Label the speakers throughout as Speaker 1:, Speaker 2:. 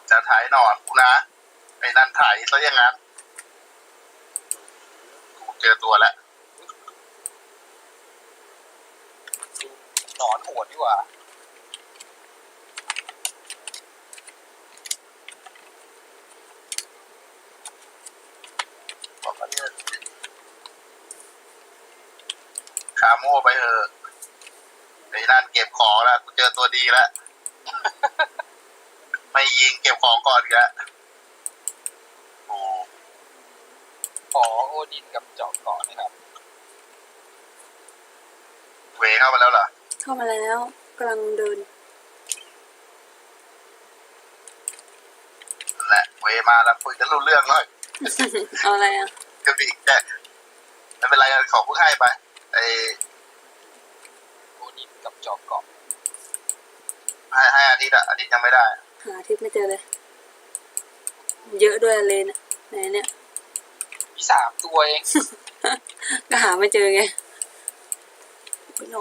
Speaker 1: จะถ่ายหนอนกูนะไอ้นั่นถ่ายซะอย่างนั้นกูเจอตัวแล้ว
Speaker 2: หนอนโหดดีกว่า
Speaker 1: บอกว่าเนี่ยคาโม่ไปเถอะไอ้นั่นเก็บของแล้วกูเจอตัวดีแล้ว ไม่ยิงเก็บของก่อนอีกแล้วโอ้
Speaker 2: ขอโอดินกับเจาะเกาะนะครับ
Speaker 1: เวเข้ามาแล้วเหรอ
Speaker 3: เข้ามาแล้วกำลังเดิน
Speaker 1: นั่นแหละเวมาแล้วคุยกันรู้เรื่องหน่อย
Speaker 3: เอาอะไรอ่ะ
Speaker 1: ก็มีแต่ไม่เป็นไรขอพูดให้ไปไอ้
Speaker 2: โอดินกับเจาะเกาะ
Speaker 1: ให้อาทิตย์ยังไม่ได้
Speaker 3: หาทิศไม่เจอเลย เยอะด้วยเลนอะไหนเนี่ย
Speaker 2: มี3 ตัวเอง
Speaker 3: ก็หาไม่เจอไงไปนอน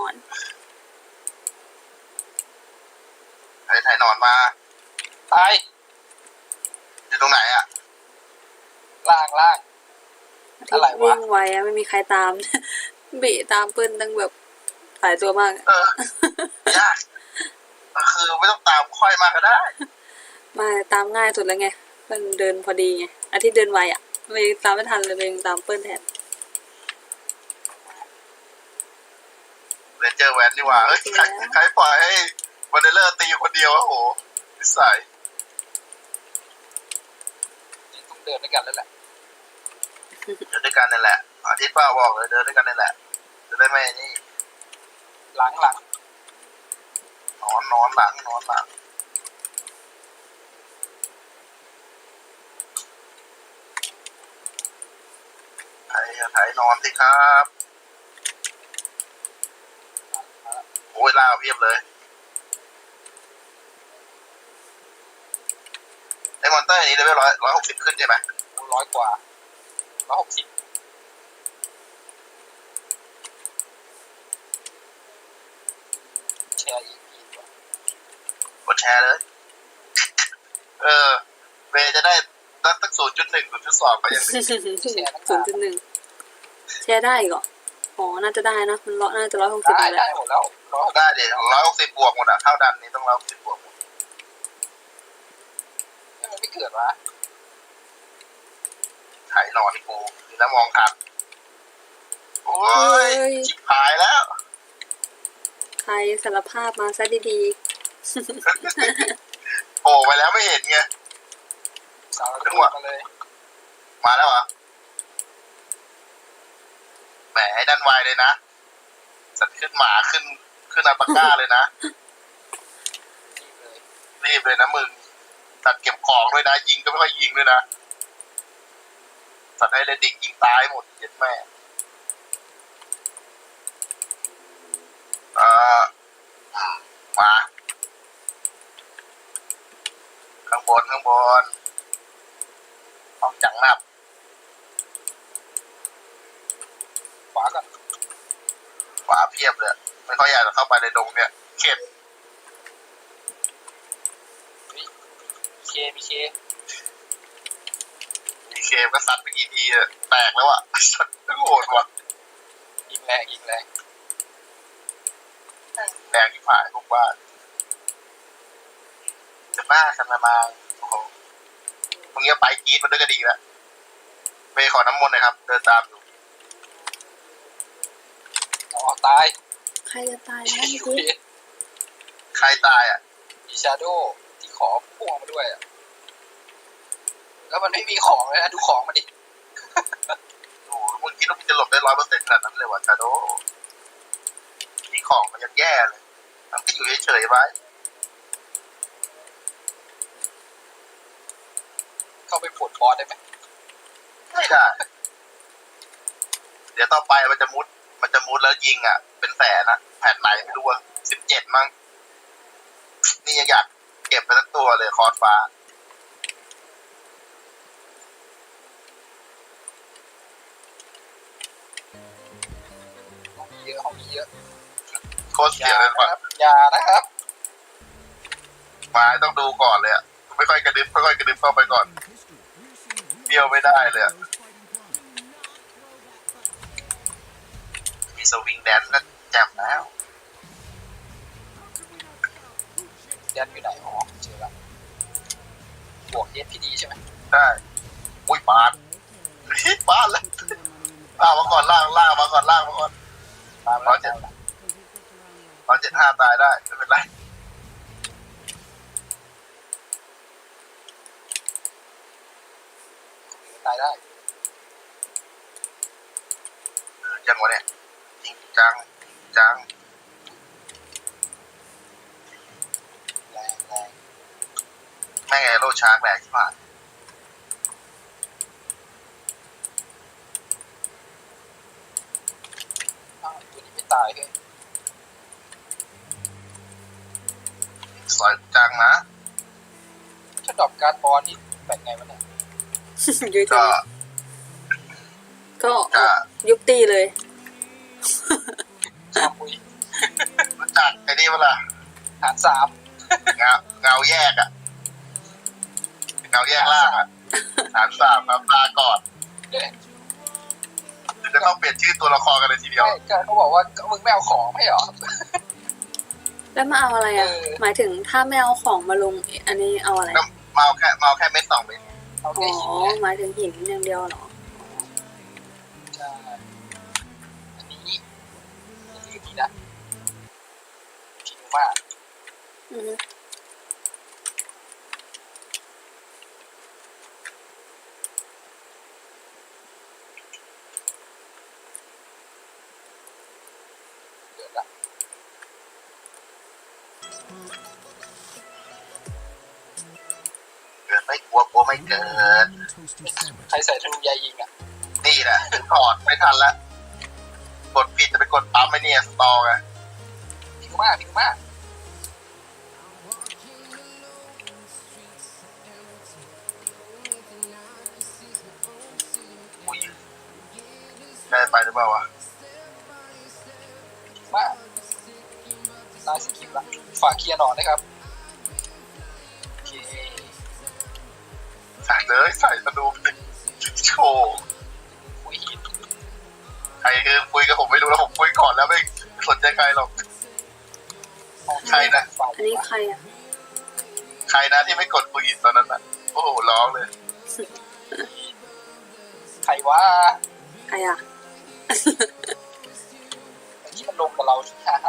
Speaker 1: ถ่ายหนอนมา
Speaker 2: ตาย
Speaker 1: อยู่ตรงไหนอ่ะ
Speaker 2: ล่าง
Speaker 3: อาทิต
Speaker 2: อะไร
Speaker 3: ย์
Speaker 2: วะ
Speaker 3: วิ่งไวอะไม่มีใครตาม บีตามเปิ้ลตั้งแบบหลายตัวมากอะ
Speaker 1: ยากคือไม่ต้องตามค่อยมากก็ได้
Speaker 3: มาตามง่ายสุดแล้วไงเปิ้ลเดินพอดีไงอาทิตย์เดินไวอ่ะไม่ตามไม่ทันเลยเองตามเปิ้ลแทน
Speaker 1: เรนเจอร์แวนนี่หว่าเฮ้ยใครปล่อยให้วันเดอร์ตีคนเดียวโอ้โหนิสัย
Speaker 2: นี่ต้องเดินด้วยกันแล้วแหละ
Speaker 1: เดินด้วยกันนั่นแหละอาทิตย์ป้าบอกเลยเดินด้วยกันนั่นแหละจะได้ไม่นี่
Speaker 2: หลัง
Speaker 1: นอนหลังถ่ายนอนสิครับโอ้ยล่าเพียบเลยไอ้มอนเตอร์นี้เลเวล160ขึ้นใช่ไหม
Speaker 2: 100 กว่า 160แชร์อีกทีกว่าก
Speaker 1: ดแชร์เลย เวจะได้ตั้ง0.1 0.2ก็ยังดี
Speaker 3: 0.1 แชร์ได้อีกเหรออ๋อน่าจะได้นะมันน่าจะ160
Speaker 2: ได้
Speaker 3: แล้ว
Speaker 2: หมดแล้ว
Speaker 1: ได้เดี๋ยว160บวกหมดอะเท่าดันนี้ต้อง160บวกหมด
Speaker 2: มันไม่เกิดวะ
Speaker 1: ถ่ายหนอนกูแล้วมองทันโอ้ยชิบหายแล้ว
Speaker 3: ใครสารภาพมาซะดี
Speaker 1: โผล่ไปแล้วไม่เห็นไง
Speaker 2: สาวจังหวะกันเลย
Speaker 1: มาแล้วเหรอแหมให้ดันไวเลยนะสัตว์ขึ้นหมาขึ้นอัลปาก้าเลยนะ
Speaker 2: นี่เลย
Speaker 1: รีบเลยนะมึงสัตว์เก็บของด้วยนะยิงก็ไม่ค่อยยิงด้วยนะสัตว์ไฮเรดิกยิงตายหมดเจ็ดแม่มาข้างบนห้องจังนับ
Speaker 2: ขวาก่อน
Speaker 1: ขวาเพียบเลยไม่ค่อยอยากจะเข้าไปในดงเนี่ยเข็ด
Speaker 2: มีเค
Speaker 1: มีเคมก็ซัดไปกี่ทีอะแตกแล้วอะสัตว์โหดว่ะ
Speaker 2: ยิงแรง
Speaker 1: แรงที่ผ่านพวกบ้านจะบ้ากันมาโอ้โหมึงจะไปกรีดมันด้วยก็ดีแล้วไปขอน้ำมนต์หน่อยครับเดินตามอยู่
Speaker 2: อ๋อตาย
Speaker 3: ๆ ใครจะตายนะ
Speaker 2: อยู่
Speaker 3: พี่
Speaker 2: ดี
Speaker 1: ใครตายอ่ะ
Speaker 2: มีชาโดว์ที่ขอพ่วงมาด้วยอะแล้วมันไม่มีของเลยนะดูของมาดิ
Speaker 1: โอ้โหมึงคิดว่ามึงจะหลบได้100%ขนาดนั้นเลยวะชาโดมีของมันยังแย่เลยมันก็อยู่เฉยๆไว้
Speaker 2: เข้าไปปลดบอสได้ไหม
Speaker 1: ไม่ได้ เดี๋ยวต่อไปมันจะมุดแล้วยิงอ่ะ เป็นแสนอ่ะแผ่นไหนไม่รู้ว่า17มั้งนี่ยังอยากเก็บไปทั้งตัวเลยคอร์สฟ้า
Speaker 2: ห้องมีเยอะ
Speaker 1: โคตรเสียเลยว่ะ
Speaker 2: อย่านะครับ
Speaker 1: มาต้องดูก่อนเลยอ่ะค่อยๆกระดึ๊บค่อยๆกระดึ๊บเข้าไปก่อนเบี้ยวไม่ได้เลยอะมีสวิงแดนก็แจ่มแล้ว
Speaker 2: แดนอยู่ไหนอ๋อเจอละบวก SPD ใช่ไหม
Speaker 1: ได้อุ้ยปาดปาดเลยล่างมาก่อนล่างมาก่อนล่างมาก่อน
Speaker 2: ตามแล้วเจอละ
Speaker 1: 175ตายได้ไม่เป็นไร
Speaker 2: ตายได้
Speaker 1: ยังวะเนี่ยจริงจังจัง
Speaker 2: แรง
Speaker 1: แม่งไงโลชาร์กแรงที่ผ่าน
Speaker 2: อ้าวตัวนี้ไม่ตายเลย
Speaker 1: สอยจังนะ
Speaker 2: ถ้าดรอปการ์ดบอลนี่แบ่งไงวะเนี่ย
Speaker 3: เยอะจั
Speaker 1: ก็
Speaker 3: งก็เอา
Speaker 1: ก็
Speaker 3: ยุบตีเลย
Speaker 2: ชาบุย
Speaker 1: รู้จักไอ้นี่เวลา
Speaker 2: หารสาม
Speaker 1: เงาแยกอะเงาแยกล่างอะ3-3ครับลาก่อน
Speaker 2: เนี่ย
Speaker 1: ถึงจะต้องเปลี่ยนชื่อตัวละครกันเลยทีเดียว
Speaker 2: ใช่ก็เขาบอกว่าก็มึงไม่เอาของไม่เหรอ
Speaker 3: แล้วมาเอาอะไรอ่ะ
Speaker 2: เออ
Speaker 3: หมายถึงถ้าไม่เอาของมาลงอันนี้เอาอะไร
Speaker 1: ก็เมาแค่เม็ด2 เม็ด
Speaker 2: เอา
Speaker 3: อ๋
Speaker 2: แค่
Speaker 3: อ
Speaker 2: หินเนี่ย
Speaker 3: หมายถึงหินอย่างเดียวเหรอ
Speaker 2: ใช่อันนี้ดีนะผิวมาก
Speaker 3: อือฮึ
Speaker 2: เดือดละ
Speaker 1: เกิดไม่กลัวไม่เกิด
Speaker 2: ใครใส่ธนูใยยิงอ่ะ
Speaker 1: นี่แหละถึงถอดไม่ทันละกดผิดจะไปกดปั๊มไอ้เนี่ยสตอไง
Speaker 2: ผิวมาก
Speaker 1: อุ้ยได้ไปหรือเปล่าวะ
Speaker 2: มากตายสกิลละฝากเคลียร์หนอนนะครับโอเค
Speaker 1: ใส่เลยใส่ธนูไปโชว์
Speaker 2: คุยหิน
Speaker 1: ใครคือคุยกับผมไม่รู้แล้วผมคุยก่อนแล้วไม่สนใจใครหรอก ใครนะ
Speaker 2: ฝ่าย
Speaker 3: อันนี้ใครอ่ะ
Speaker 1: ใครนะที่ไม่กดปืนตอนนั้นน่ะโอ้โหร้องเลย
Speaker 2: ใครว่า
Speaker 3: ใครอ่ะ
Speaker 2: ไอ้ที่มันลงกับเราที่ฮ่า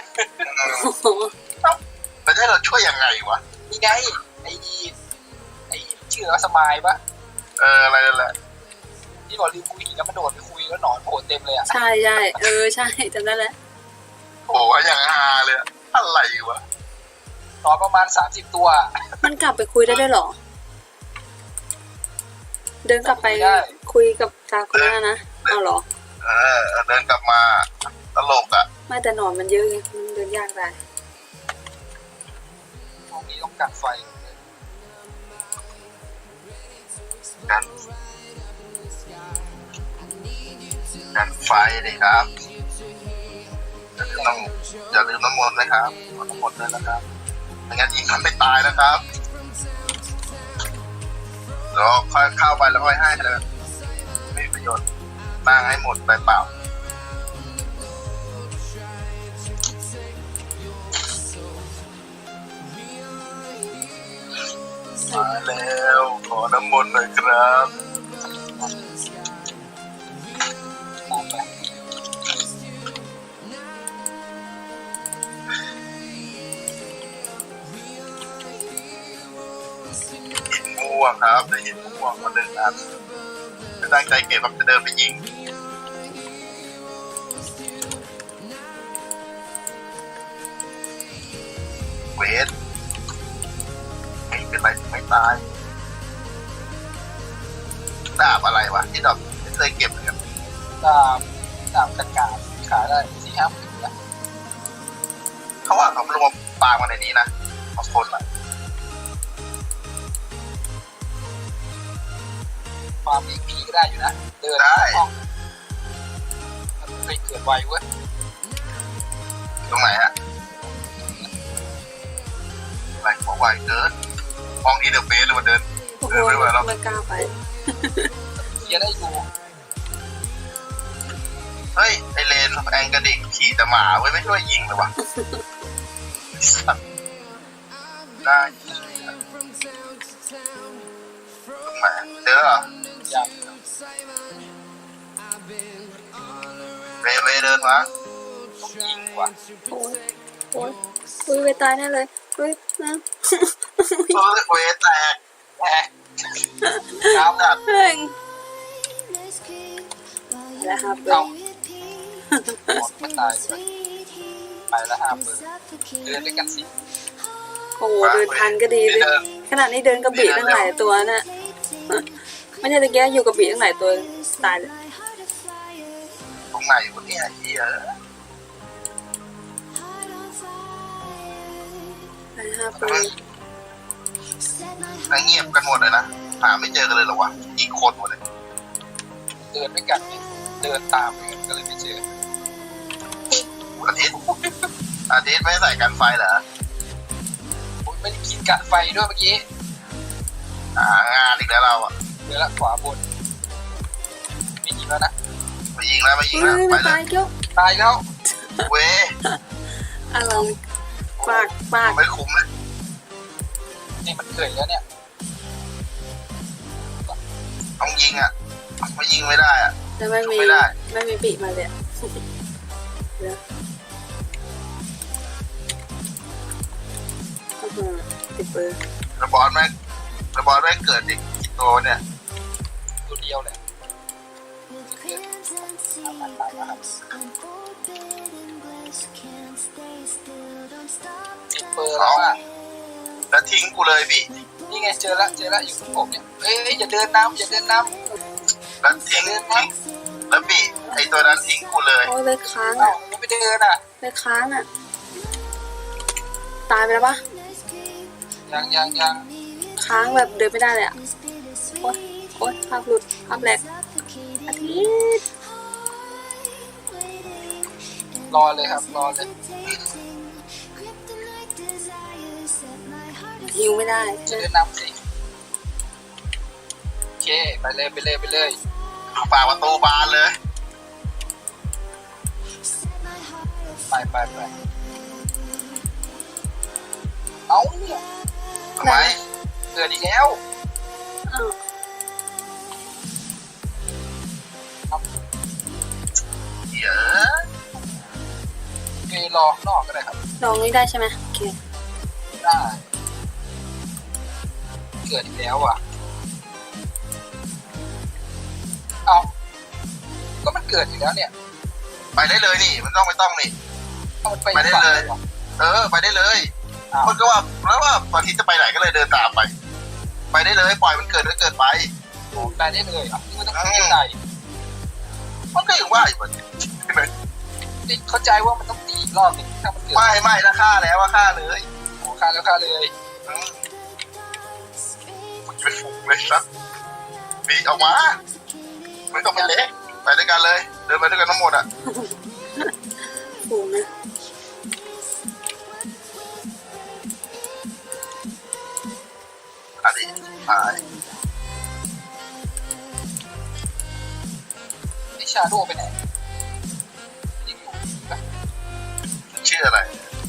Speaker 1: แล้วจะให้เราช่วยยังไงวะ
Speaker 2: ๆนี่ไงไอ้ชื่อว่าสมายปะ
Speaker 1: อะไรนั่นแหละ
Speaker 2: ที่บอกลืมคุยหินแล้วมันโดดไปคุยแล้วหนอนโผล่เต็มเลยอ่ะ
Speaker 3: ใช่ใช่ใช่จำได้แล้ว
Speaker 1: โอ้โหอย่างฮาเลยอะอะไรวะ
Speaker 2: หนอนประมาณ30ตัว
Speaker 3: มันกลับไปคุยได้ด้วยเหรอ เดินกลับไป
Speaker 2: ได้
Speaker 3: คุยกับตาคนนั้นนะเอาเหรอ
Speaker 1: เดินกลับมาตลกอะ
Speaker 3: ไม่แต่หนอนมันเยอะไงมันเดินยากได้
Speaker 2: ตรงนี้ต้องกัดไฟ
Speaker 1: กันไฟเลยครับอย่าลืมน้ำมนต์นะครับน้ำมนต์ด้วยนะครับไม่งั้นยิงมันไม่ตายนะครับเดี๋ยวค่อยเข้าไปแล้วค่อยให้เลยไม่มีประโยชน์ตั้งให้หมดไปเปล่ามาแล้วขอน้ำมนต์หน่อยครับ
Speaker 2: มองไป
Speaker 1: หินม่วงครับได้หินม่วงมา1 อันไม่ตั้งใจเก็บแบบจะเดินไปยิงเวทไม่เป็นไรไม่ตายดาบอะไรวะที่ดอกไม่เคยเก็บเลยครับ
Speaker 2: ดาบกระกาศขายได้4-5 หมื่นนะ
Speaker 1: เขาว่าเขาลงมาปางมาในนี้นะของคนละ
Speaker 2: ฟาร์มอีกพีก็ได้อยู่นะเดินห้องมันเคยเกิดไวเว้ย
Speaker 1: ตรงไหนฮะไหวหัวไหวเกินไหวมองอีเดอร์เฟสเลยมันเดิน
Speaker 3: โอ้โห
Speaker 1: ไม่ไหวแล้ว
Speaker 3: ไม่กล้าไป
Speaker 2: เคลียร์ได้อยู่
Speaker 1: เฮ้ยไอเลนแองกระดิกขี่แต่หมาไว้ไม่ช่วยยิงเลยวะสัตว์ได้ตรงไหนเจอเหรอ
Speaker 2: ยัง
Speaker 1: เวเดินมา
Speaker 2: ต้องยิงว่ะ
Speaker 3: โอ้ยโอ้ยอุ้ยไปตายแน่เลยอุ้ยนะ
Speaker 1: เวแตก
Speaker 2: แหมน้ำดัด
Speaker 3: เพ่งแล้วครับ
Speaker 2: เอาหมดมันตายด้วยไปแล้วห้าเปิดเดินด้วยกันสิ
Speaker 3: โอ้โหเดินทันก็ดีเลยขนาดนี้เดินกระบี่ตั้งหลายตัวน่ะไม่ใช่ตะแกอยู่กระบี่ตั้งหลายตัวตายเลย
Speaker 1: ตรงไหนวะเนี่ยเฮีย
Speaker 3: ไปห้าปี
Speaker 1: นั่งเงียบกันหมดเลยนะหาไม่เจอกันเลยเหรอวะอีกคนหมดเลย
Speaker 2: เดินด้วยกันเนี่ยเดินตามกันก็เลยไม่เจอ
Speaker 1: อาทิตย์ไม่ใส่กันไฟเหรอ
Speaker 2: ผมไม่ได้กินกะไฟด้วยเมื่อกี้
Speaker 1: งานอีกแล้วเราอ่ะ
Speaker 2: เดินละขวาบนไม่ยิงแล้วนะ
Speaker 1: มายิงแล้ว
Speaker 3: เฮ้ย
Speaker 1: ไป
Speaker 3: ไม่
Speaker 1: เล
Speaker 3: ตาย
Speaker 1: ย
Speaker 3: เกี้ยว
Speaker 2: ตายแล้ว
Speaker 1: เว้ย
Speaker 3: อะไรปากปาก
Speaker 1: ไม่คุ้มเลย
Speaker 2: นี่มันเกิดแล้วเนี่ย
Speaker 1: ต้องยิงอ่ะไม่ยิงไม่ได้อ่ะ
Speaker 3: แต่ไม่มี
Speaker 1: ไม่ได้
Speaker 3: ไม่มีปีกมาเลยอะเดี๋ยวติดเบอร์
Speaker 1: ระบอลแม่งเกิดอีกกี่ตัวเนี่ย
Speaker 2: ตัวเดียวแหละติดเบอร์แล้วอ่ะ
Speaker 1: แล้วทิ้งกูเลยพี่
Speaker 2: นี่ไงเจอละอยู่กับผมเนี่ยเอ้ยอย่าเดินน้ำอย่าเดินน้
Speaker 1: แล้วทิ้งแล้วพี่ไอตัวนั้นทิ้งกูเลย
Speaker 3: โอ้ยเลยค้าง
Speaker 2: ำเอ้า
Speaker 3: อ่ะ
Speaker 2: ยังไม่เดินอ่ะ
Speaker 3: เลยค้างอ่ะ ตายไปแล้วปะ
Speaker 2: ยัง
Speaker 3: ค้างแบบเดินไม่ได้เลยอ่ะโอ๊ยโอ๊ยภาพหลุดภาพแหลกอาทิตย์
Speaker 2: รอเลยครับรอเลย
Speaker 3: ฮิวไม่ได้
Speaker 2: จะเดินน้ำสิโอเคไปเลย
Speaker 1: ฝากประตูบานเลย
Speaker 2: ไปเอ้า
Speaker 1: ทำไม
Speaker 2: เกิดอีกแล้ว
Speaker 3: อ้าว
Speaker 1: เหี้ย
Speaker 2: โอเครอข้างนอกก็ได้ครับ
Speaker 3: ลองนี้ได้ใช่ไหมโอเค
Speaker 2: ได้เกิดอีกแล้วอ่ะเอาก็มันเกิดอีกแล้วเนี่ย
Speaker 1: ไปได้เลยนี่มันไม่ต้องนี่
Speaker 2: เอามันไป
Speaker 1: ไปได้เลย ไปได้เลย
Speaker 2: อ้าว
Speaker 1: มันก็ว่าแล้วว่าบางทีจะไปไหนก็เลยเดินตามไป ไปได้เลยปล่อยมันเกิดก็เกิดไป
Speaker 2: ไปได้เลยอ่ะนี่มันต้องขึ้นไหน
Speaker 1: มันก็ยังว่าอยู่มันใช่ไหม
Speaker 2: นี่เข้าใจว่ามันต้องตีอีกรอบหนึงถ้ามันเกิด
Speaker 1: ไม่ถ้าฆ่าแล้วว่าฆ่าเลย
Speaker 2: โอ้ฆ่าแล้วฆ่าเลย
Speaker 1: อืมมันจะเป็นฝูงเลยครับบีออกมามันก็ไม่เล็กไปด้วยกันเลย เดินไปด้วยกันทั้งหมดอ่ะ
Speaker 3: ฟูนะ
Speaker 1: อันนี้หาย
Speaker 2: ไอชาโดไปไหนยังอยู่ปะ
Speaker 1: ชื่ออะไร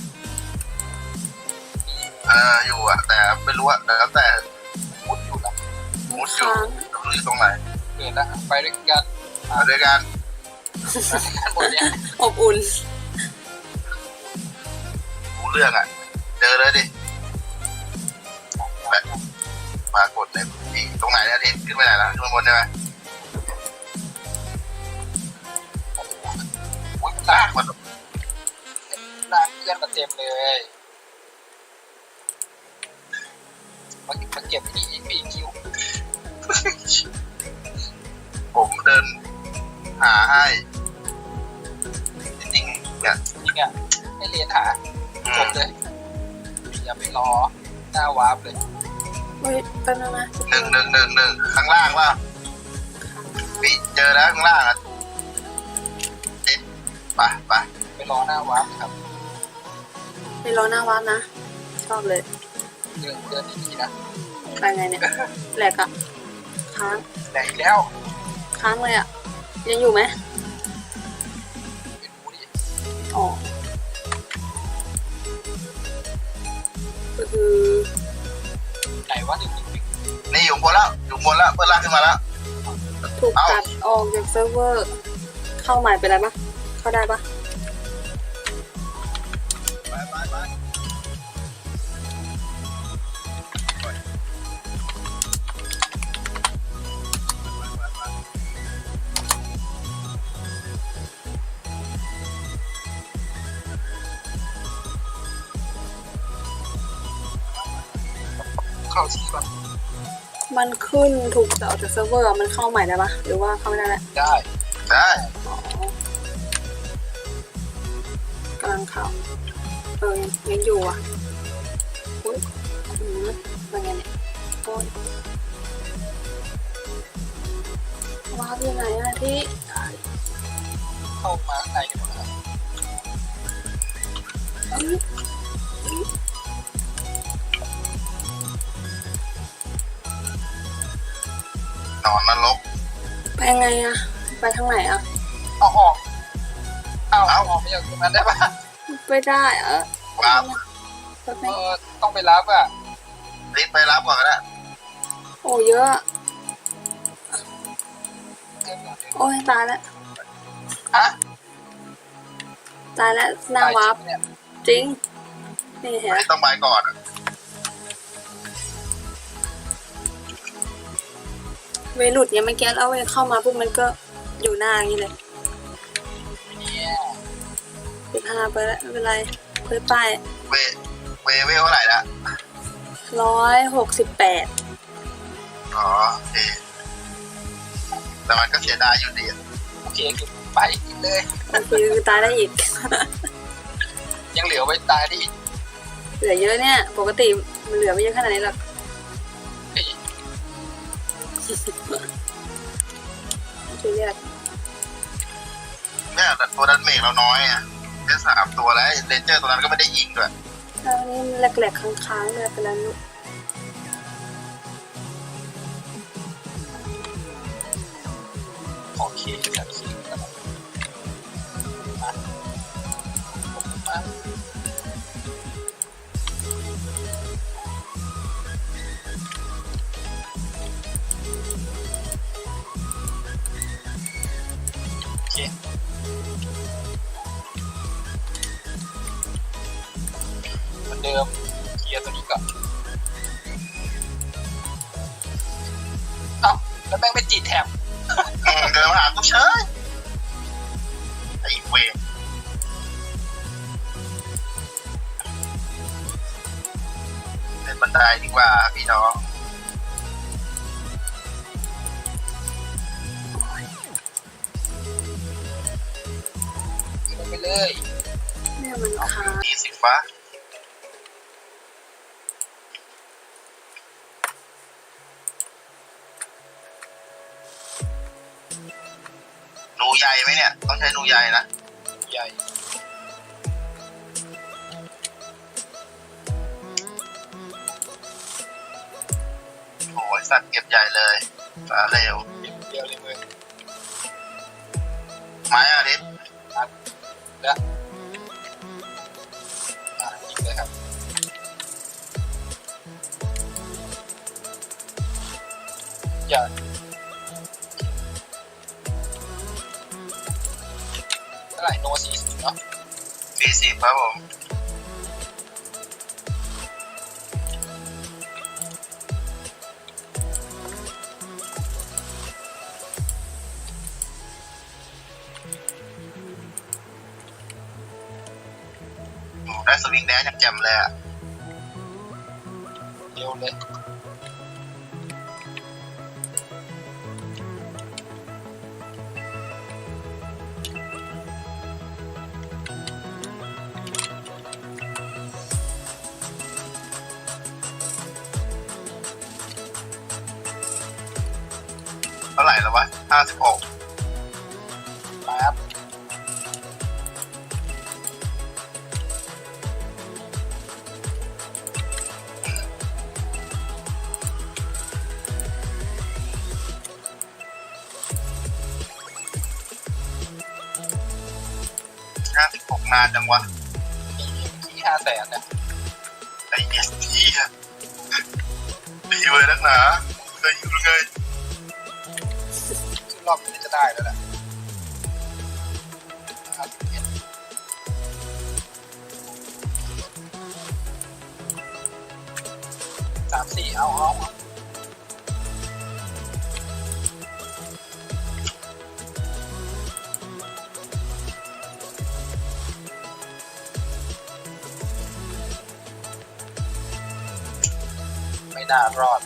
Speaker 1: อยู่อ่ะแต่ไม่รู้อ่ะแล้วแต่
Speaker 2: มุดอยู่นะ
Speaker 1: มุดอยู่
Speaker 3: ค้าง
Speaker 1: ไม่รู้อยู่ตรงไหน
Speaker 2: เกิดแล้วไปด้วยกัน
Speaker 1: มาด้วยกัน
Speaker 2: ไปด้วยกันหมดเนี่ย
Speaker 3: อบอุ่น
Speaker 1: รู้เรื่องอ่ะ เจอเลยดิปรากฏเลยพี่ตรงไหนเนี่ยทิศขึ้นไปไหนล่ะขึ้นมาบนใช่ไหม
Speaker 2: โอ้ย
Speaker 1: ลากมัน
Speaker 2: ลากเพื่อนมาเต็มเลยมาเก็บที่อีกปีคิว
Speaker 1: ผมเดินหาให้จริงๆเนี่ย
Speaker 2: จริงอ่ะให้เรียนหาจบเลยอย่าไปรอหน้าวาร์ปเลย
Speaker 3: เฮ้ยแป๊บนึงนะ
Speaker 1: หนึ่งข้างล่างว่าพี่เจอแล้วข้างล่างอ่ะทิศไป
Speaker 2: ไปรอหน้าวาร์ปครับ
Speaker 3: ไปรอหน้าวัดนะ ชอบเลย
Speaker 2: เดินดีๆนะ
Speaker 3: ไปไงเนี่ยแหลกอะค้าง
Speaker 2: แหลกอีกแล้ว
Speaker 3: ค้างเลยอะยังอยู่ไหม
Speaker 2: ไม่รู้ดิ
Speaker 3: อ๋อก็คือ
Speaker 2: ไหนวะ111
Speaker 1: นี่อยู่บนแล้วอยู่บนแล้วเพื่อนลากขึ้นมาแล้ว
Speaker 3: ถูกตัดออกจากเซิร์ฟเวอร์ เข้าใหม่ไปได้ปะเข้าได้ปะ
Speaker 1: ไปไปไป
Speaker 2: เข้าที่ก่อน
Speaker 3: มันขึ้นถูกตัดออกจากเซิร์ฟเวอร์อะมันเข้าใหม่ได้ปะหรือว่าเข้าไม่ได้แล้ว
Speaker 2: ได้
Speaker 1: ได้
Speaker 3: อ๋อกำลังเข้ายังอยู่อ่ะอุ้ยเป็นไงเนี่ยโอ้ยว้าวยังไงอะที่
Speaker 2: เข้ามาข้างในกันหมดแล้ว
Speaker 3: เอ้ย
Speaker 1: นอนนรก
Speaker 3: ไปไงอะไปทางไหนอะ
Speaker 2: เอาออกเอาออกไม่จากตรงนั้นได้ปะ
Speaker 3: ไม่ได้อะ
Speaker 1: ครับ
Speaker 3: แป๊บนึง
Speaker 2: ต้องไปรับอ่ะ
Speaker 1: รีบไปรับก่อนก็ได้
Speaker 3: โอ้เยอะอะโอ้ยตายแล้ว
Speaker 2: ฮะ
Speaker 3: ตายแล้วหน้าวับ
Speaker 2: เนี่ย
Speaker 3: จริงนี่เห็นไหม
Speaker 1: ต้องไปก่อน
Speaker 3: เวหลุดเนี่ยเมื่อกี้แล้วเวเข้ามาปุ๊บมันก็อยู่หน้าอย่างนี้เลย
Speaker 2: เนี่ย
Speaker 3: 15ไปแล้วไม่เป็นไรเพื่อป้าย
Speaker 1: เวเท่าไหร่ละ
Speaker 3: 168
Speaker 1: อ๋อโอเคแต่มันก็เสียดายอยู่ดี
Speaker 2: โอเคคือไปอีกเลย
Speaker 3: โอเคคือตายได้อีก
Speaker 2: ยังเหลือไว้ตายได้อีก
Speaker 3: เหลือเยอะเนี่ย ปกติมันเหลือไม่เยอะขนาดนี้หรอก
Speaker 2: เฮ้ย
Speaker 3: ช่วยเรียก
Speaker 1: เนี่ยแต่ตัวนั้นเมฆเราน้อยอ่ะแค่3 ตัวแล้วเรนเจอร์ตัวนั้นก็ไม่ได้ยิงด้วย
Speaker 3: แล้วนี่แหลกๆค้างๆเลยไปแล้วลูก
Speaker 2: โอเคจัดคิวกันมามาโอเคเหมือนเดิมเคลียร์ตัวนี้ก่อนเอ้าแล้วแม่งไม่ติดแถบ
Speaker 1: เดินมาหากูเฉยไอ้เวรเป็นบันไดดีกว่าพี่น้อง
Speaker 2: ลงไปเลย
Speaker 3: เนี่ยมันค้าง
Speaker 1: นี่สีฟ้าหนูใหญ่ไหมเนี่ยต้องใช้หนูใหญ่นะ
Speaker 2: ใหญ่
Speaker 1: โอ้ยสัตว์เก็บใหญ่เลยสาเร็ว
Speaker 2: เดียวเลยมึง
Speaker 1: ไม้อาทิตย์
Speaker 2: แล้วยิงเลยครับอย่าเท่าไหร่โน40เนาะ
Speaker 1: 40ครับผมโอ้ได้สวิงแดนอย่างแจ่มเลยอ่ะ
Speaker 2: เร็วเลย
Speaker 1: เท่าไหร่แล้ววะ56
Speaker 2: ครับ
Speaker 1: นานจังวะ
Speaker 2: มีที่500,000เนี่ย
Speaker 1: ไอ้เอสทีอะดีเลยนักหนาเคยอยู่เลย
Speaker 2: ซึ่งรอบนี้จะได้แล้วแหละ3-4เอาไม่น่ารอด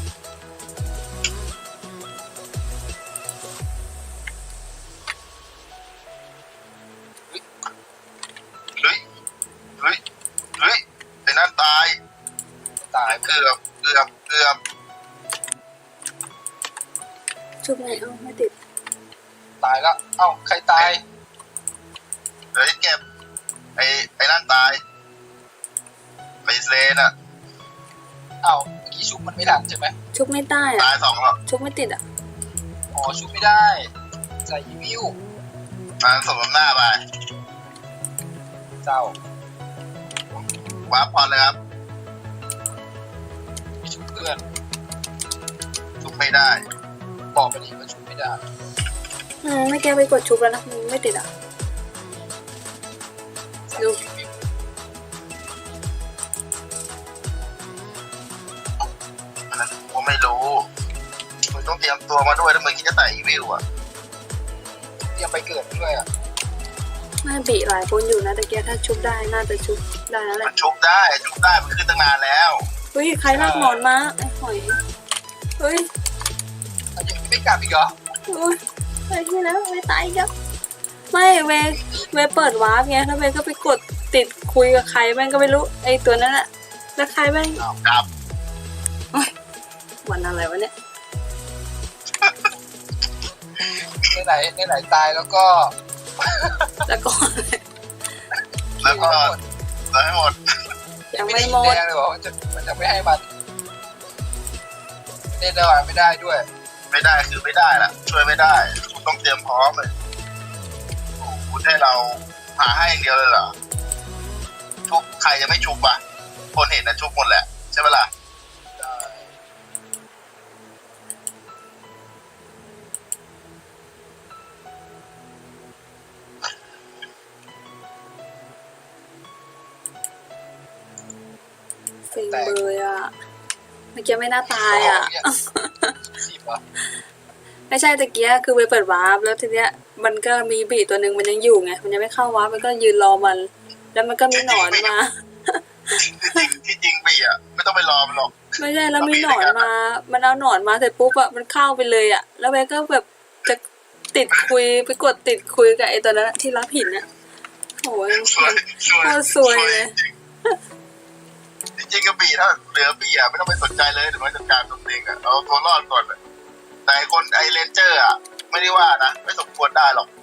Speaker 1: เฮ้ยเฮ้ยเฮ้ยไอ้นั่นตาย
Speaker 2: ตาย
Speaker 1: เกือบ
Speaker 3: ชุบไงเอาไม่ติด
Speaker 2: ตายแล้ว เอ้าใครตาย
Speaker 1: เฮ้ยเก็บไอ้นั่นตายไอ้เลนอะ
Speaker 2: เอ้าเมื่อกี้ชุบมันไม่ทันใช่ไหม
Speaker 3: ชุบไม่ได้อ่ะ
Speaker 1: ตาย2แล้ว
Speaker 3: ชุบไม่ติดอ่ะ
Speaker 2: อ๋อชุบไม่ได้ใส่อีวิว
Speaker 1: มาสมน้ำหน้าไป
Speaker 2: เจ้า
Speaker 1: ว้าร์ปพอเลยครับ
Speaker 2: ชุบเพื่อน
Speaker 1: ทุบไม่ได้
Speaker 2: บอกไปดิว่าชุบไม่ได้
Speaker 3: ไม่แกไปกดชุบแล้วนะมันไม่ติดอ่ะ
Speaker 2: ใส่
Speaker 3: ดู
Speaker 2: อีวิว
Speaker 1: อันนั้นผมไม่รู้มึงต้องเตรียมตัวมาด้วยถ้ามึงคิดจะใส่อีวิวอะ
Speaker 2: เตรียมไปเกิดด้วยอ่ะ
Speaker 3: น่าบีหลายคนอยู่นะแต่แกถ้าชุบได้น่าจะชุบได้แล้วแห
Speaker 1: มั
Speaker 3: ละ
Speaker 1: นชุบได้มันขึ้นตั้งนานแล้ว
Speaker 3: เฮ้ยใครลากหมอนมาไอ้หอยเฮ้ย
Speaker 2: เอายังไม่กลับอีกเหรอ
Speaker 3: โอ้ยไปที่แล้วไม่ตายอีกแล้วไม่เวเปิดวาร์ปไงแล้วเวก็ไปกดติดคุยกับใครแม่งก็ไม่รู้ไอ้ตัวนั้นอะแล้วใครแม่ง
Speaker 1: ครับ
Speaker 3: วันอะไรวะเนี่ย
Speaker 2: ในไหนตายแล้วก็
Speaker 3: แล้วก็
Speaker 1: แล้วก็แล้วให้หมด
Speaker 3: ยัง
Speaker 2: ไม่
Speaker 3: ไม่
Speaker 2: ได้
Speaker 3: หมด
Speaker 2: แดงเลยบอกว่ามันจะไม่ให้มันเล่นได้ไม่ได้ด้วย
Speaker 1: ไม่ได้คือไม่ได้ล่ะ ช่วยไม่ได้คุณต้องเตรียมพร้อมเลยโอ้โหคุณให้เราหาให้อย่างเดียวเลยเหรอชุบใครจะไม่ชุบอ่ะคนเห็นนะชุบหมดแหละใช่ไหมล่ะ
Speaker 3: เซ็งเลยอ่ะเมื่อกี้ไม่น่าตายอ่ะ
Speaker 2: 10เหรอ
Speaker 3: ไม่ใช่ตะเกียคือไปเปิดวาร์ปแล้วทีเนี้ยมันก็มีบีตัวหนึ่งมันยังอยู่ไงมันยังไม่เข้าวาร์ปมันก็ยืนรอมัน แล้วมันก็มีหนอนมา
Speaker 1: ที่จริงปีอ่ะไม่ต้องไปรอมันหรอก
Speaker 3: ไม่ใช่แล้วมีหนอนมา มันเอาหนอนมาเสร็จปุ๊บอะมันเข้าไปเลยอะแล้วแม่ก็แบบจะติดคุยไปกดติดคุยกับไอ้ตัวนั้นอะที่รับหินอะโอ้ย
Speaker 1: สวย
Speaker 3: โคตรสวยเลย
Speaker 1: จริงๆก็ปีถ้าเหลือปีอ่ะไม่ต้องไปสนใจเลยเดี๋ยวมันจัดการตัวเองอ่ะเอาตัวรอดก่อนอะแต่ไอ้เลนเจอร์อ่ะไม่ได้ว่านะไม่สมควรได้หรอก